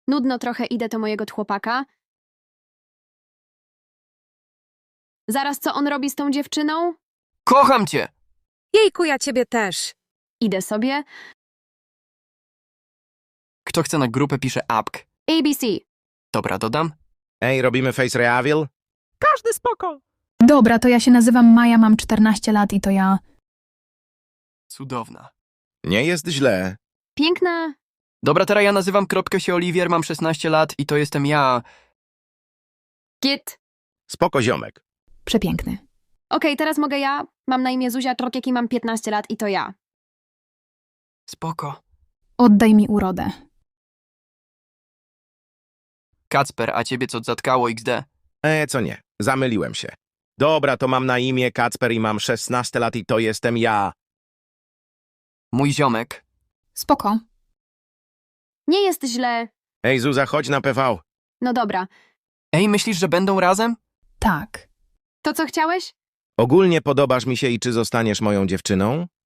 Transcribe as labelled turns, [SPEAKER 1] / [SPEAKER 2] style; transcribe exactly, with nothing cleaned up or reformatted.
[SPEAKER 1] Nudno trochę, idę do mojego chłopaka. Zaraz, co on robi z tą dziewczyną?
[SPEAKER 2] Kocham cię!
[SPEAKER 3] Jejku, ja ciebie też.
[SPEAKER 1] Idę sobie.
[SPEAKER 2] Kto chce na grupę, pisze apk.
[SPEAKER 1] A B C.
[SPEAKER 2] Dobra, dodam.
[SPEAKER 4] Ej, robimy face reveal?
[SPEAKER 5] Każdy spoko.
[SPEAKER 6] Dobra, to ja się nazywam Maja, mam czternaście lat i to ja.
[SPEAKER 2] Cudowna.
[SPEAKER 4] Nie jest źle.
[SPEAKER 1] Piękna.
[SPEAKER 2] Dobra, teraz ja nazywam kropkę się Oliwier, mam szesnaście lat i to jestem ja.
[SPEAKER 1] Git.
[SPEAKER 4] Spoko ziomek.
[SPEAKER 6] Przepiękny.
[SPEAKER 1] Okej, teraz mogę ja. Mam na imię Zuzia Trokiek i mam piętnaście lat i to ja.
[SPEAKER 2] Spoko.
[SPEAKER 6] Oddaj mi urodę.
[SPEAKER 2] Kacper, a ciebie co zatkało X D?
[SPEAKER 4] E, co nie, zamyliłem się. Dobra, to mam na imię Kacper i mam szesnaście lat i to jestem ja.
[SPEAKER 2] Mój ziomek.
[SPEAKER 6] Spoko.
[SPEAKER 1] Nie jest źle.
[SPEAKER 4] Ej, Zuza, chodź na P V.
[SPEAKER 1] No dobra.
[SPEAKER 2] Ej, myślisz, że będą razem?
[SPEAKER 6] Tak.
[SPEAKER 1] To co chciałeś?
[SPEAKER 4] Ogólnie podobasz mi się i czy zostaniesz moją dziewczyną?